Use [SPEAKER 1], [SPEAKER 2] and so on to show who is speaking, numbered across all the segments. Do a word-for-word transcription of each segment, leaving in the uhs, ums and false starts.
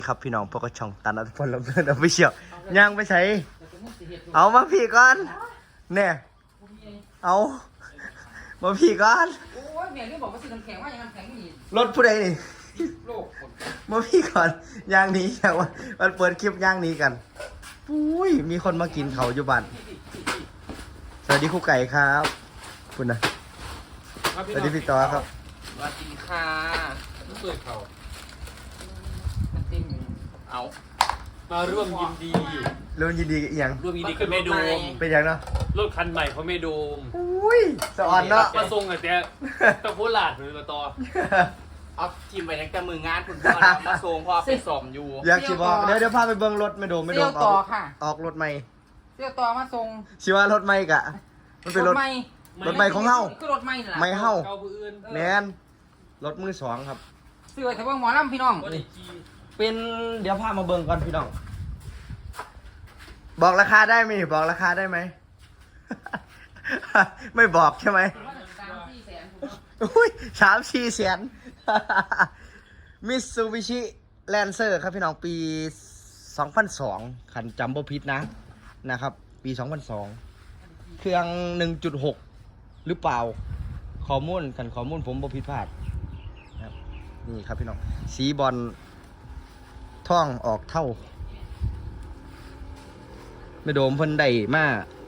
[SPEAKER 1] ครับพี่น้องพวกกระช่องตันอัตพลลำเลินเอาไปเชียวย่างไปใช้เอามาพี่ก่อนเนี่ยเอามาพี่ก่อน
[SPEAKER 2] โอ้ยแม่เรื่องบอกว่าซื้อน้ำแข็งว่าอย่างน้ำแข็งนี่
[SPEAKER 1] รถผู้ใดนี่
[SPEAKER 2] โลก
[SPEAKER 1] มาพี่ก่อนย่างนี้อย่างว่ามันเปิดคลิปย่างนี้กันอุ้ยมีคนมากินเขาอยู่บ้านสวัสดีครูไก่ครับคุณนะสวัสดีพี่ต่อครับ
[SPEAKER 2] สวัสดีค่ะ
[SPEAKER 3] รู้สึกเขา
[SPEAKER 2] มันเต็มอยู่เอา
[SPEAKER 3] มาร่วมยินดี
[SPEAKER 1] ร่วมยินดีอย่าง
[SPEAKER 3] ร่วมยินดีกับเมดูม
[SPEAKER 1] เป็นอย่างเนาะ
[SPEAKER 3] รถคันใหม่เขาเมดูม
[SPEAKER 1] อุ้ยสะอ่อนเนาะ
[SPEAKER 3] มาส่งแต่ตะโพหลาดหรือมาต่อ
[SPEAKER 2] เอาทีมไปตั้งแต่มืองานคุณพ่อมาส่งพ่อไปสอมอยู่
[SPEAKER 1] อยากชิบอกเดี๋ยวเดี๋ยวพาไปเบิ้งรถไม่โดมไม่โดมออกออกรถใหม่
[SPEAKER 2] เสี่ยวต่อมาส่ง
[SPEAKER 1] ชิว่ารถใหม่กะมันเป็นรถ
[SPEAKER 2] ใหม่
[SPEAKER 1] รถใหม่ของเฮา
[SPEAKER 2] คือรถใหม่ล่ะ
[SPEAKER 1] ไม่เฮาแม
[SPEAKER 3] แ
[SPEAKER 1] นรถมือสองครับ
[SPEAKER 2] ซื้อไว้แต่ว่าหมอลำพี่น้อง
[SPEAKER 1] เป็นเดี๋ยวพามาเบิ้งก่อนพี่น้องบอกราคาได้ไหมบอกราคาได้ไหม ไม่บอกใช่ไหมอุ้ยสามสี่แสนมิตซูบิชิแลนเซอร์ครับพี่น้องปีสองพันสองขันจำบ่ผิดนะนะครับปีสองพันสองเครื่อง หนึ่งจุดหก หรือเปล่าข้อมูลขันข้อมูลผมบ่ผิดพลาดนะครับนี่ครับพี่น้องสีบอลท่องออกเท่าไม่โดมเพิ่นได้มา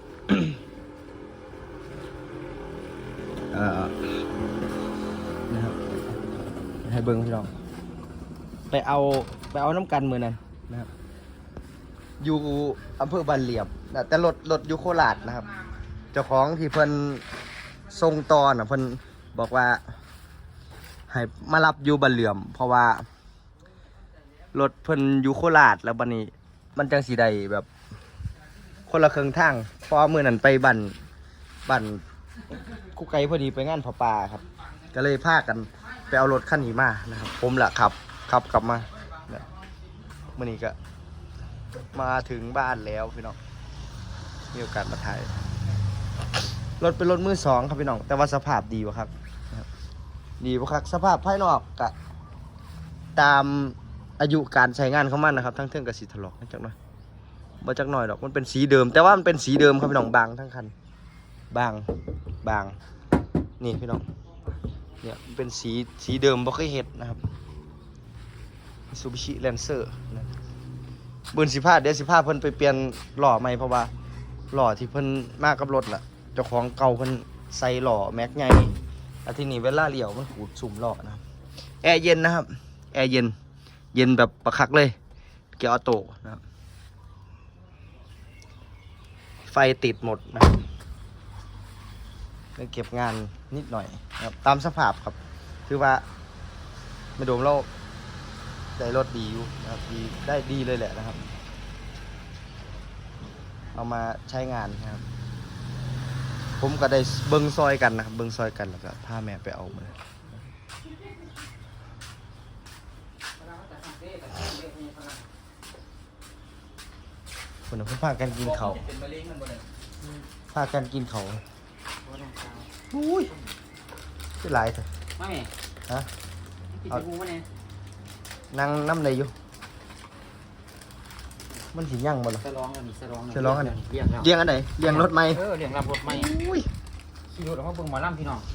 [SPEAKER 1] เอ่อนะครับให้เบิ้งพี่น้องไปเอาไปเอาน้ำกันมือนั้นนะครับอยู่อำเภอบ้านเหลี่ยมนะแต่รถรถอยู่โคราชนะครับเจ้าของที่เพิ่นทรงตอนอ่ะเพิ่นบอกว่าให้มารับอยู่บ้านเหลี่ยมเพราะว่ารถเพิ่นอยู่โคราชแล้วบัดนี้มันจังสีใดแบบคนละเครื่องทางพอมือนั้นไปบั่นบั่นคุกไก่พอดีไปงานผาป่าครับก็เลยพากันไปเอารถคันนี้มานะครับผมแหละขับขับกลับมาเมื่อนี้ก็มาถึงบ้านแล้วพี่น้องมีโอกาสมาถ่ายรถเป็นรถมือสองครับพี่น้องแต่ว่าสภาพดีวะครับดีวะครับสภาพภายนอกกะตามอายุการใช้งานของมันนะครับทั้งเทิงกับสีถลอกจังหน่อยมาจากหน่อยดอกมันเป็นสีเดิมแต่ว่ามันเป็นสีเดิมครับพี่น้องบางทั้งคันบางบางนี่พี่น้องเนี่ยมันเป็นสีสีเดิมบ่เคยเห็นนะครับ Mitsubishi Lancer นะเบิ้ลสิบห้าเดี๋ยวสิบห้าเพิ่นไปเปลี่ยนหล่อใหม่เพราะว่าหล่อที่เพิ่นมากับรถน่ะเจ้าของเก่าเพิ่นใส่หล่อแม็กใหญ่อาทีนี้เวลาเลี้ยวมันขูดสุ่มหล่อนะครับแอร์เย็นนะครับแอร์เย็นเย็นแบบประคักเลยเกียร์ออโต้นะครับไฟติดหมดนะครับเก็บงานนิดหน่อยนะครับตามสภาพครับคือว่าไม่โดมเราได้รถดีอยู่นะครับดีได้ดีเลยแหละนะครับเอามาใช้งานนะครับผมก็ได้เบิ้งซอยกันนะครับเบิ้งซอยกันแล้วก็พาแม่ไปเอามาคนนึงพากันกินเขาพากันกินเขาอุ้ยคือหลายเถอะ
[SPEAKER 2] ไม่
[SPEAKER 1] ฮะ
[SPEAKER 2] เอา
[SPEAKER 1] นั่งน้ำเลยอยู่มันสิยั่งบ่ล่ะ
[SPEAKER 2] สร้องอันนี้สร้อง
[SPEAKER 1] สร้องอันนี้
[SPEAKER 2] เลี้ยงแล้ว
[SPEAKER 1] เลี้ยงอันไหนเลี้ยงรถไหม
[SPEAKER 2] เออเลี้ยงรับรถไหมอุ้ยขี่รถออกมาเบิ่งหมอลำพี่น้อง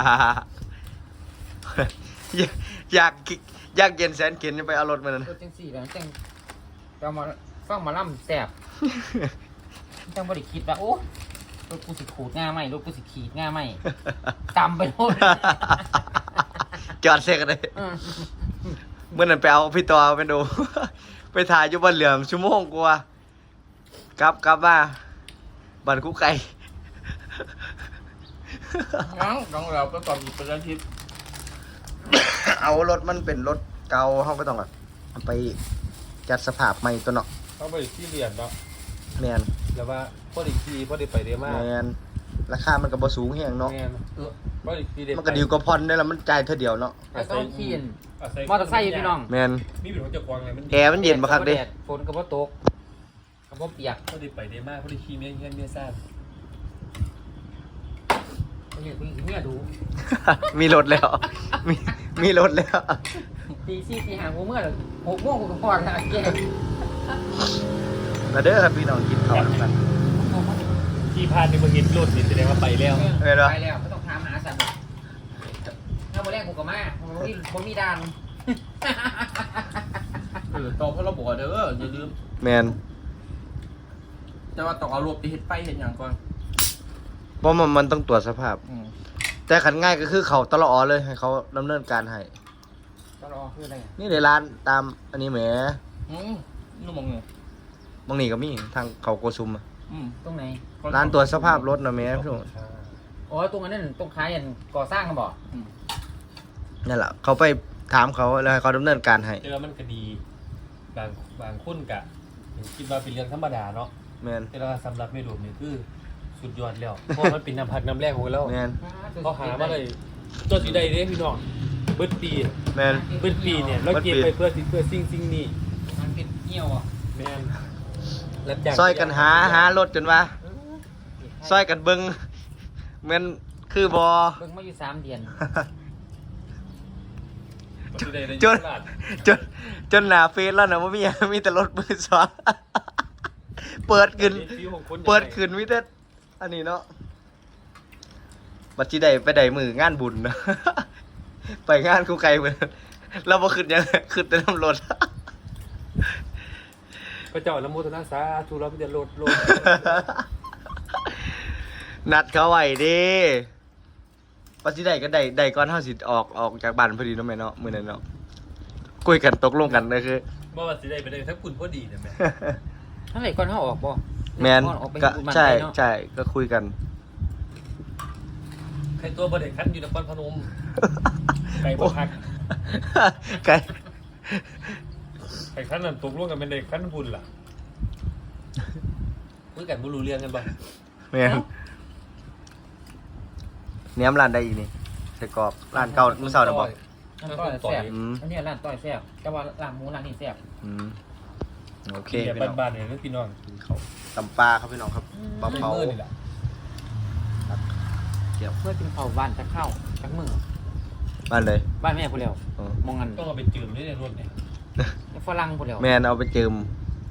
[SPEAKER 1] อยากอยากเย็นแสนเข็นไปเอารถมานั่น
[SPEAKER 2] รถจังสี่แล้วจังเรามาฟังหมอลำแสบจังบ่ได้คิดว่าโอ้รถกูสิขูดง่าไหมรถกูสิขีดง่าไหมจำไปหมด
[SPEAKER 1] จอดเซ็กเลยเมื่อนั้นไปเอาพี่ต่อไปดูไปถ่ายอยู่บ้านเหลือมชั่วโมงกว่ากลับกลับมาบ้านคุกไก่
[SPEAKER 2] งั้นต้องเราก็ตอนเป็นอาทิตย์
[SPEAKER 1] เอารถมันเป็นรถเก่าเขาก็ต้องเอาไปจัดสภาพใหม่ตัวเนาะ
[SPEAKER 3] ต้องไปที่เรียนเนาะ
[SPEAKER 1] แมน
[SPEAKER 3] แล้วว่าพอดีทีพอดีไปได้มาก
[SPEAKER 1] แมนราคามันก็บ่สูงแฮงเนาะ
[SPEAKER 3] พอดีที
[SPEAKER 1] มันก็ดีกว่าพอนได้แล้วมันจ่ายเท่าเดียวเนาะ
[SPEAKER 2] ต้องขี่มอเตอร์ไซค์พี่น้อง
[SPEAKER 1] แมน
[SPEAKER 3] มีเป็นของเจ้าของไงมัน
[SPEAKER 1] แอร์มันเย็นบ่ครับเด้
[SPEAKER 2] ฝนก็บ่ตกก็บ่เปียก
[SPEAKER 3] พอดีไปได้มากพอดีขี่เมียเงี้ยเมียซ่า
[SPEAKER 2] เมียเมียดู
[SPEAKER 1] มีรถแล้วมีมีรถแล้ว
[SPEAKER 2] มตีสี่ตีห้าหัวเมื่อหกโมงกูก็พอแล้วแก
[SPEAKER 1] มาเด้อครับพี่น้องกินข้าวด้วยกัน
[SPEAKER 3] ที่พานในเมืองหินรถนี่แสดงว่าไปแล้ว
[SPEAKER 1] เออเหรอ
[SPEAKER 2] ไปแล้วไม่ต้องถามหาสัตว์ถ้าวันแรกกูก็มาผมมีผมมีดาน
[SPEAKER 4] เออตอพระบอกเด้ออย่าลืม
[SPEAKER 1] แมน
[SPEAKER 4] แต่ว่าต้องเอารถไปเฮ็ดไปเฮ็ดหยังก่อน
[SPEAKER 1] เพราะมันมันต้องตรวจสภาพ
[SPEAKER 4] อืม
[SPEAKER 1] แต่ขันง่ายก็คือเขาตลอดเลยให้เขาดำเนินการให้
[SPEAKER 2] ก็รอคืออะไร
[SPEAKER 1] นี่ในร้านตามอันนี้แหม
[SPEAKER 4] อืมนู่นมองเนี่ย
[SPEAKER 1] บางนี่ก็มีทางเขาโกซุมอะ
[SPEAKER 4] อืม
[SPEAKER 2] ตรงไหน
[SPEAKER 1] ร้านตรวจสภาพรถนะแหม่พี่น้อง
[SPEAKER 2] อ๋อตรงนั้นตรงค้ายันก่อสร้างกันบ่
[SPEAKER 4] อืม
[SPEAKER 1] นั่นแหละเขาไปถามเขาแล้วให้เขาดำเนินการให้
[SPEAKER 3] เจอมันก็ดีบางบางคนกะคิดว่าเป็นเรื่องธรรมดาเนาะ
[SPEAKER 1] แมน
[SPEAKER 3] แต่ว่าสำหรับเมดูนี่คือสุดยอดแล้วเพราะมันเป็นน้ำพักน้ำแรกของเรา
[SPEAKER 1] แมน
[SPEAKER 3] เขาหามาเลยตัวสีใดเด้พี่น้องเบิดปี
[SPEAKER 1] แมน
[SPEAKER 3] เบิดปีเนี่ยเราเก็บไปเพื่อสิ่งเพื่อสิ่งสิ่งนี้
[SPEAKER 2] มันเป็นเหี้ยวอ่ะ
[SPEAKER 3] แม่นรับจ้าง
[SPEAKER 1] ซอยกันหาหารถจนว่าซอยกันเบิ้งแมนคือบอ
[SPEAKER 2] เบิ่งมาอยู่สามเดือน
[SPEAKER 3] ตัวสีใดได้
[SPEAKER 1] จน
[SPEAKER 3] ตลาด
[SPEAKER 1] จนจนหนาเฟซแล้วนะว่ามีมีแต่รถมือสองเปิดขึ้น
[SPEAKER 3] ฟิวของคน
[SPEAKER 1] เปิดขึ้นมิแต่อันนี้เนาะบัดจีได้ไปได้มืองานบุญนะ ไปงานกูไกลเหมือนเราบ่ขึ้นยังขึ้นแต่น้ำรถ
[SPEAKER 3] พระเจ้าละโมทนาสาธุเราจะโหลดโหลด
[SPEAKER 1] นัดเขาไว้เดิบัดจีได้ก็ได้ได้ก่อนเฮาสิออกออกจากบ้านพอดีเนาะแม่เนาะมื้อนั้นเนาะคุยกันตกลงกันเลยคือ
[SPEAKER 3] บ่ว่าสิได้ไปได้ทั้งคุณพอดีนะแม่
[SPEAKER 2] เท่าไหร่ก่อนเขาออกบ่
[SPEAKER 1] แมน
[SPEAKER 2] ออกไป
[SPEAKER 1] ก็
[SPEAKER 2] บุญบ้าน
[SPEAKER 1] ใช่
[SPEAKER 2] ไปเนาะ
[SPEAKER 1] ใช่ก็คุยกัน
[SPEAKER 3] ใครตัวบ่ได้คันอยู่นครพนมไก่บ่คัก
[SPEAKER 1] ไกล
[SPEAKER 3] ไก่คันนั้นตกลงกันเป็นได้คันบุญล่ะคุยกันบ่รู้เรื่องกันบ่
[SPEAKER 1] แมนเนี้ยมร้านได้อีกนี่ใส่กรอบร้านเก่าเมื่อเช้าน่ะบอก
[SPEAKER 2] ร้านต้อยแซ่บ
[SPEAKER 1] อืม
[SPEAKER 2] อันนี้ร้านต้อยแซ่บแต่ว่าร้านหมูร้านนี้แซ่บ
[SPEAKER 1] อืมโอเค
[SPEAKER 3] เดี๋ยว
[SPEAKER 1] พี่น้อง
[SPEAKER 3] บ้านๆเนี่ยพี่น้อง
[SPEAKER 1] เขาตำปลาครับพี่น้องครับปลาเผา
[SPEAKER 3] มื้อนี่ล่ะ
[SPEAKER 1] เกี่ยว
[SPEAKER 2] เพื่อกินข้าวบ้านจะเข้าจักมือ
[SPEAKER 1] บ้านเลย
[SPEAKER 2] บ้านแม่พูดแล้ว
[SPEAKER 1] เออ
[SPEAKER 2] มองกัน
[SPEAKER 3] ต้องเอาไปจืมด้วยในรถเนี่ย
[SPEAKER 2] ฝรั่งพูดแล้ว
[SPEAKER 1] แมนเอาไปเจิม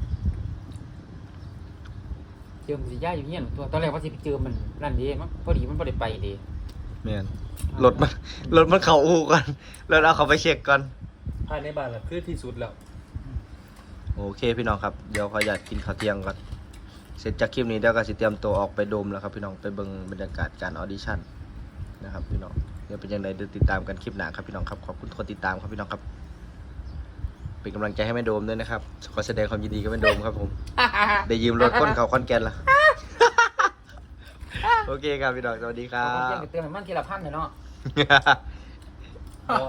[SPEAKER 2] เจิมสิย่าอยู่เงี้ยตัวตอนแรกว่าสิไปเจิมมันนั่นดีมันพอดีมันบ่ได้ไปดี
[SPEAKER 1] แมนรถมันรถมันเข่าอู่ก่อนแล้วเอาเขาไปเช็คก่อน
[SPEAKER 3] ภายในบ้านล่ะคือที่สุดแล้ว
[SPEAKER 1] โอเคพี่น้องครับเดี๋ยวขออยากกินข้าวเที่ยงก่อนเสร็จจากคลิปนี้เดี๋ยวก็สิเตรียมตัวออกไปโดมแล้วครับพี่น้องไปเบิ่งบรรยากาศการออดิชั่นนะครับพี่น้องเดี๋ยวเป็นยังไงเดี๋ยวติดตามกันคลิปหน้าครับพี่น้องครับขอบคุณทุกคนติดตามครับพี่น้องครับเป็นกำลังใจให้แม่โดมด้วยนะครับขอแสดงความยินดีกับแม่โดมครับผม ได้ยืมรถก้นเขาคอนแกนละ โอเคครับพี่น้องสวัสดีค
[SPEAKER 2] เอา
[SPEAKER 1] รั
[SPEAKER 2] เที่ยง
[SPEAKER 1] บ
[SPEAKER 2] ไปเติมให้มันทีละพันเลยเนาะ